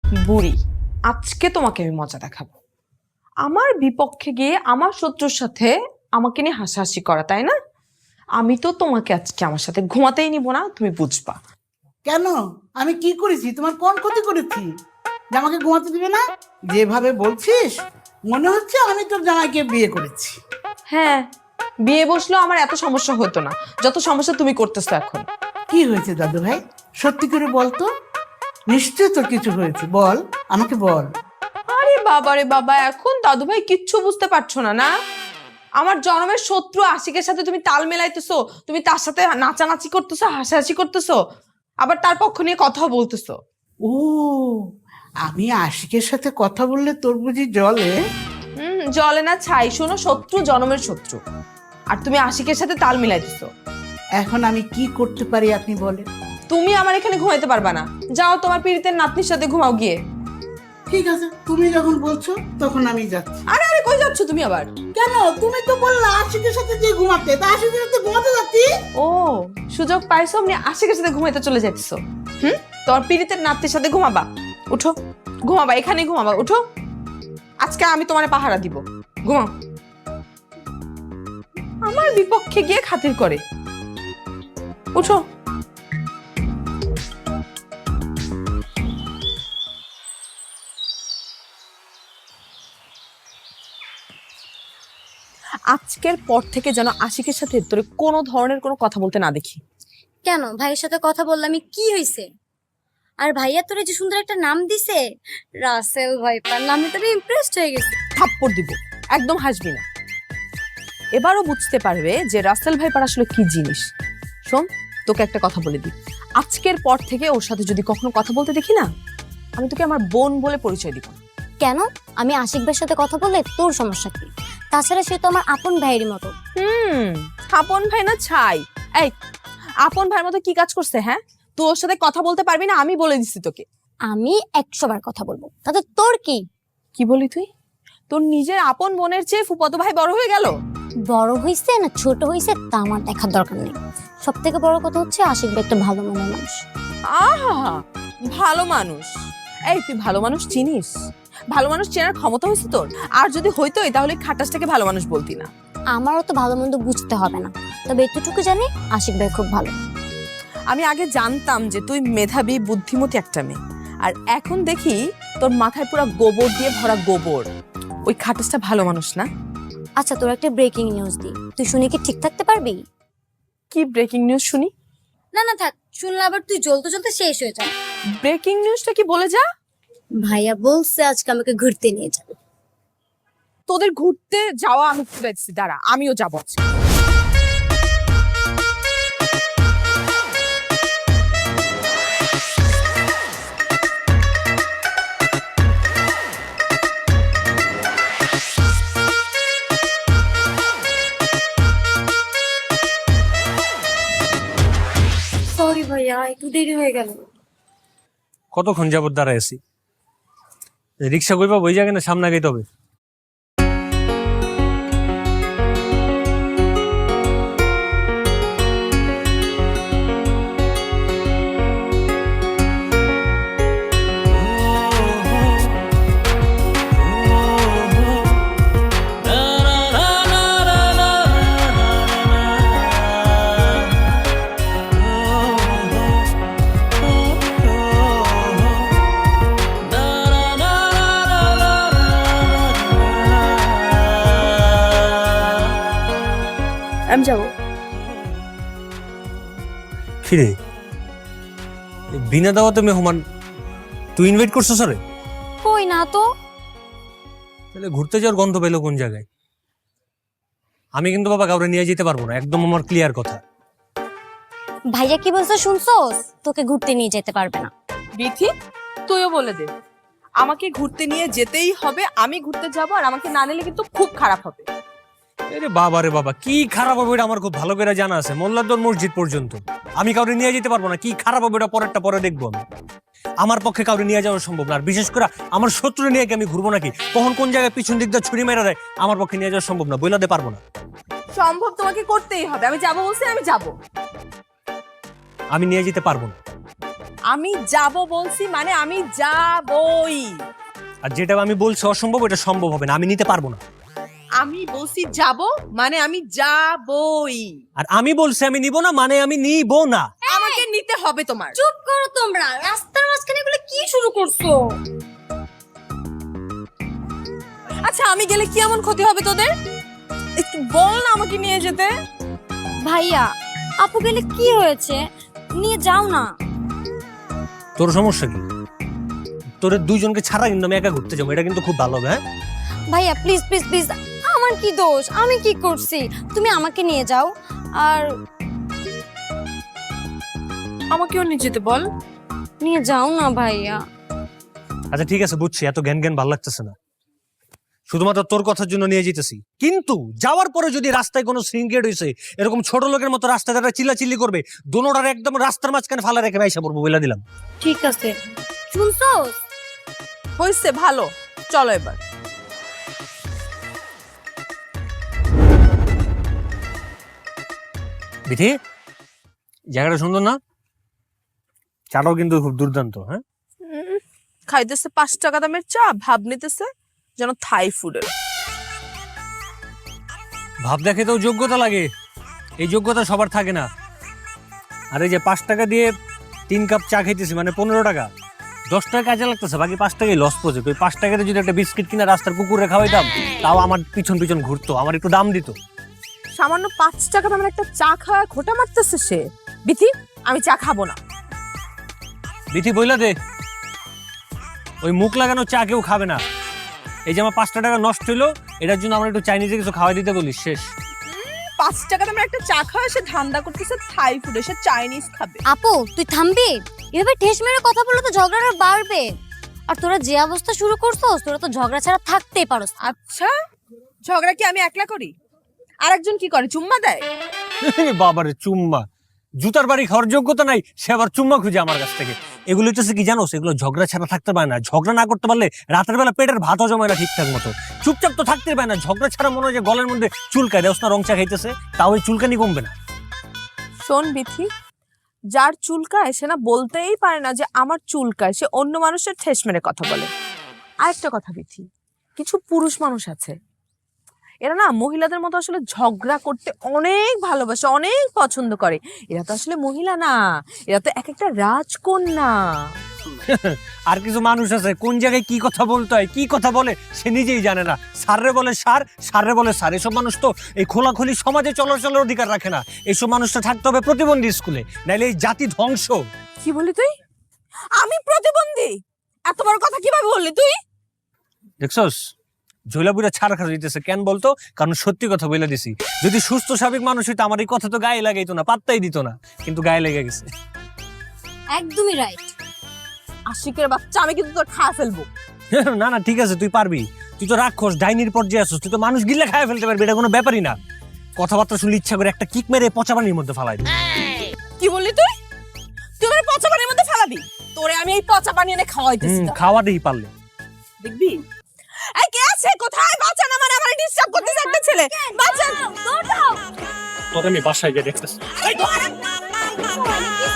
বুড়ি, আজকে তোমাকে আমি মজা দেখাবো। আমার বিপক্ষে গিয়ে আমার শত্রুর সাথে আমাকে নিয়ে হাসাহাসি করা, তাই না? আমি তো তোমাকে আজকে আমার সাথে ঘুমাতেই নিব না, তুমি বুঝবা। কেন? আমি কি করেছি? তোমার কোন ক্ষতি করেছি যে আমাকে ঘুমাতে দিবে না? যেভাবে বলছিস মনে হচ্ছে আমি তোর জামাইকে বিয়ে করেছি। হ্যাঁ, বিয়ে বসলেও আমার এত সমস্যা হতো না যত সমস্যা তুমি করতেছো এখন। কি হয়েছে দাদু ভাই? সত্যি করে বল তো। নিশ্চয় তোর কিছু হয়েছে, বল, আমাকে বল। আরে বাবা রে বাবা, এখন দাদু ভাই কিচ্ছু বুঝতে পারছো না না? আমার জন্মের শত্রু আশিকের সাথে তুমি তাল মেলাইতেছো, তুমি তার সাথে নাচানাচি করতেছো, হাসাহাসি করতেছো, আবার তার পক্ষ নিয়ে কথাও বলতেছো। ও, আমি আশিকের সাথে কথা বললে তোর বুঝি জলে? জলে না ছাই, শোনো, শত্রু জন্মের শত্রু, আর তুমি আশিকের সাথে তাল মিলাইতেছো। এখন আমি কি করতে পারি আপনি বলেন। তুমি আমার এখানে ঘুমাইতে পারবা না, যাও তোমার পীড়িতের নাতনির সাথে ঘুমাও গিয়ে। ঠিক আছে, তুমি যখন বলছো তখন আমি যাচ্ছি। আরে আরে, কই যাচ্ছ তুমি আবার? কেন? তুমি তো বললা আশিকের সাথে যে ঘুমাতে, তা আশিকের সাথে ঘুমাতে যাচ্ছি। ও, সুযোগ পাইছো, আপনি আশিকের সাথে ঘুমাইতে চলে যাচ্ছো। তোমার পীড়িতের নাতনির সাথে ঘুমাবা? উঠো, ঘুমাবা, এখানেই ঘুমাবা, উঠো। আজকে আমি তোমার পাহারা দিব, ঘুমাও। আমার বিপক্ষে গিয়ে খাতির করে, উঠো। আজকের পর থেকে যেন আশিকের সাথে তোর কোনো ধরনের কোনো কথা বলতে না দেখি। কেন? ভাইয়ের সাথে কথা বললাম, কি হয়েছে? আর ভাইয়া তোরে যে সুন্দর একটা নাম দিছে, রাসেল ভাইপার নামে তো আমি ইমপ্রেসড হয়ে গেছি। থাপ্পড় দিব, একদম হাসবি না। এবারও বুঝতে পারবে যে রাসেল ভাইপার আসলে কি জিনিস। শোন, তোকে একটা কথা বলে দিই, আজকের পর থেকে ওর সাথে যদি কখনো কথা বলতে দেখি না, আমি তোকে আমার বোন বলে পরিচয় দিব। কেন? আমি আশিক ভাইয়ের সাথে কথা বললে তোর সমস্যা কি? তাছাড়া সে তো আমার আপন ভাইয়ের মতো। আপন ভাই না ছাই। এই, আপন ভাইয়ের মতো কি কাজ করছে? হ্যাঁ, তুই ওর সাথে কথা বলতে পারবি না, আমি বলে দিচ্ছি তোকে। আমি 100 বার কথা বলবো, তাতে তোর কি? কি বলি তুই? তোর নিজের আপন বোনের চেয়ে ফুফাতো ভাই বড় হয়ে গেল? বড় হইছে না ছোট হইছে তা আমার দেখার দরকার নেই। সব থেকে বড় কথা হচ্ছে আশিক ভাই একটা ভালো মনের মানুষ। আহা, ভালো মানুষ? এই, তুই ভালো মানুষ চিনিস? ভালো মানুষ চেনার ক্ষমতা হয়েছে তোর? আর যদি হইতোই তাহলে খাটাসটাকে ভালো মানুষ বলতি না। আমারও তো ভালো মন্দ বুঝতে হবে না, তবে এতটুকু জানি আশিক ভাই খুব ভালো। আমি আগে জানতাম যে তুই মেধাবী বুদ্ধিমতী একটা মেয়ে, আর এখন দেখি তোর মাথায় পুরো গোবর দিয়ে ভরা গোবর। ওই খাটাসটা ভালো মানুষ না। আচ্ছা, তোর একটা ব্রেকিং নিউজ দি, তুই শুনে কি ঠিক থাকতে পারবি? কি ব্রেকিং নিউজ শুনি? না না থাক, শুনলে আবার তুই জ্বলতে জ্বলতে শেষ হয়ে যা। ব্রেকিং নিউজটা কি বলে যা। ভাইয়া বলছে আজকে আমাকে ঘুরতে নিয়ে যাবে। তোদের ঘুরতে যাওয়া আমি ঘুরেছি, দাঁড়া আমিও যাবো। সরি ভাইয়া, একটু দেরি হয়ে গেল। কতক্ষণ যাবত দাঁড়ায় আছি? রিক্সা কইবা ওই জায়গায় না সামনে গাইতে হবে? আমি যাবো। কিরে, বিনা দাওয়াতে মেহমান তুই ইনভাইট করছো স্যারে? কই না তো। তাহলে ঘুরতে যাওয়ার গন্ধ পেলো কোন জায়গায়? আমি কিন্তু বাবা কাউরে নিয়ে যেতে পারবো না, একদম আমার ক্লিয়ার কথা। ভাইয়া কি বলছে শুনছোস? তোকে ঘুরতে নিয়ে যেতে পারবে না। বিথি, তুইও বলে দে, আমাকে ঘুরতে নিয়ে যেতেই হবে। আমি ঘুরতে যাবো, আর আমাকে না নিলে কিন্তু খুব খারাপ হবে। আরে বাবা রে বাবা, কি খারাপ হবে এটা আমার খুব ভালো করে জানা আছে। মোল্লাদ্দর মসজিদ পর্যন্ত আমি কাউরে নিয়ে যেতে পারবো না। কি খারাপ হবে এটা পরেরটা পরে দেখবো আমি। আমার পক্ষে কাউরে নিয়ে যাওয়া সম্ভব না, আর বিশেষ করে আমার শত্রু নিয়ে কি আমি ঘুরবো নাকি? কখন কোন জায়গায় পিছন দিক দিয়ে ছুরি মেরা দেয়, আমার পক্ষে নিয়ে যাওয়া সম্ভব না, বইলাতে পারবো না। সম্ভব, তোমাকে করতেই হবে। আমি যাবো বলছি, আমি যাবো। আমি নিয়ে যেতে পারবো না। আমি যাব বলছি মানে আমি যাবই। আর যেটা আমি বলছি অসম্ভব, এটা সম্ভব হবে না, আমি নিতে পারবো না। আমি বলছি যাব মানে আমি যাবই। আর আমি বলছি আমি নিব না মানে আমি নিব না। আমাকে নিতে হবে তোমার। চুপ করো তোমরা, রাস্তার মাঝখানে এগুলো কি শুরু করছো? আচ্ছা আমি গেলে কি এমন ক্ষতি হবে তোদের? একটু বল না আমাকে নিয়ে যেতে। ভাইয়া আপু গেলে কি হয়েছে, নিয়ে যাও না। তোর সমস্যা কি? তোর দুইজনকে ছাড়া কিন্তু আমি একা ঘুরতে যাবো, এটা কিন্তু খুব ভালো হবে। হ্যাঁ ভাইয়া প্লিজ প্লিজ প্লিজ, আমার কি দোষ, আমি কি করছি? তুমি আমাকে নিয়ে যাও। আর আমাকেও নিয়ে যেতে বল। নিয়ে যাও না ভাইয়া। আচ্ছা ঠিক আছে, বুঝছি, এত জ্ঞান জ্ঞান ভালো লাগতেছে না। শুধুমাত্র তোর কথার জন্য নিয়ে যেতেছি, কিন্তু যাওয়ার পরে যদি রাস্তায় কোনো সিনক্রেট হয়েছে, এরকম ছোট লোকের মতো রাস্তায় তারা চিল্লাচিল্লি করবে, দোনোটার একদম রাস্তার মাঝখানে ফালা রেখে আইসা পড়বো বলে দিলাম। ঠিক আছে, শুনছো? হয়েছে, ভালো, চলো এবার। বিধি, জায়গাটা সুন্দর না? চাটাও কিন্তু খুব দুর্দান্ত। হ্যাঁ খাইতেছে 5 টাকা দামের চা, ভাব নিতেছে যেন থাই ফুডের। ভাব দেখে তো যোগ্যতা লাগে, এই যোগ্যতা সবার থাকে না। আর এই যে 5 টাকা দিয়ে 3 কাপ চা খাইতেছি মানে 15 টাকা, 10 টাকা কাজে লাগতেছে, বাকি 5 টাকাই লস প্রজেক্ট। ওই 5 টাকাতে যদি একটা বিস্কিট কিনা রাস্তার কুকুরে খাওয়াইতাম, তাও আমার পিছন পিছন ঘুরতো, আমার একটু দাম দিত। সামান্য 5 টাকা দামের একটা চা খাওয়া খোটা মারতেছে সে। বিথি, আমি চা খাবো না। বিথি বইলা দে, ওই মুখ লাগানো চা কেউ খাবে না। এই যে আমার 5 টাকা নষ্ট হইলো, এটার জন্য আমরা একটু চাইনিজে কিছু খাওয়াই দিতে বলিস, শেষ। 5 টাকা দামের একটা চা খাওয়া সে ধান্দা করতেছে থাই ফুডে, সে চাইনিজ খাবে। আপু তুই থামবি? এভাবে ঠেস মেরে কথা বললে তো ঝগড়াটা বাড়বে। আর তোরা যে অবস্থা শুরু করছস, তোরা তো ঝগড়া ছাড়া থাকতেই পারোস না। আচ্ছা, ঝগড়া কি আমি একলা করি? আরেকজন কি করে, চুম্মা দেয়? বাবারে চুম্মা, জুতার বাড়ি খাওয়ার যোগ্যতা নাই, সে আবার চুম্মা খুঁজে আমার কাছ থেকে। এগুলো হচ্ছে কি জানো, এগুলো ঝগড়া ছাড়া থাকতে পারে না। ঝগড়া না করতে পারলে রাতের বেলা পেটের ভাতও জমায় না ঠিকঠাক মতো। চুপচাপ তো থাকতে পারে না, ঝগড়া ছাড়া মনে হয় যে গলের মধ্যে চুলকায় দেওস না, রং চা খাইতেছে, তাও ওই চুলকানি কমবে না। শোন বিথি, যার চুলকায় সে না বলতেই পারে না যে আমার চুলকায়, সে অন্য মানুষের ঠেস মেরে কথা বলে। আরেকটা কথা বিথি, কিছু পুরুষ মানুষ আছে, এরা না মহিলাদের মতো আসলে ঝগড়া করতে অনেক ভালোবাসে, অনেক পছন্দ করে। এরা তো আসলে মহিলা না, এরা তো এক একটা রাজকন্যা। আর কিছু মানুষ আছে কোন জায়গায় কি কথা বলতে হয়, কি কথা বলে সে নিজেই জানে না। সাররে বলে সার, সাররে বলে সার। এসব মানুষ তো এই খোলাখুলি সমাজে চলাচলের অধিকার রাখে না। এইসব মানুষটা থাকতে হবে প্রতিবন্ধী স্কুলে, নাইলে এই জাতি ধ্বংস। কি বলি তুই? আমি প্রতিবন্ধী? এত বড় কথা কিভাবে বললি তুই? দেখছস, ঝোলাপুরা ছাড় খা দিতেছে কেন বলতো? কারণ সত্যি কথা বলে দিছি। যদি সুস্থ স্বাভাবিক মানুষ হইতো আমার এই কথা তো গায়ে লাগাইতো না, পাত্তাই দিত না, কিন্তু গায়ে লেগে গেছে। একদমই রাইট। আশিকের বাচ্চা, আমি কিন্তু তোর খায় ফেলবো। না না ঠিক আছে, তুই পারবি। তুই তো রাক্ষস, ডাইনির পর্যায়ে আসছিস, তুই তো মানুষ গিলে খায় ফেলতে পারবি, এটা কোনো ব্যাপারই না। কথাবার্তা শুনলে ইচ্ছা করে একটা কিক মেরে পচা পানির মধ্যে ফালাই দিবি। কি বললি তুই? তুই আমার পচা পানির মধ্যে ফেলাবি? তোরে আমি এই পচা পানি এনে খাওয়াইতেছি। খাওয়া দিই পারলে। দেখবি? এই কে আছে? কোথায়? বাঁচান, আমার ডিস্টার্ব করতেছে একটা ছেলে। বাঁচান, দৌড়াও। তোর আমি বাসায় গিয়ে দেখতেছি। এই ধর।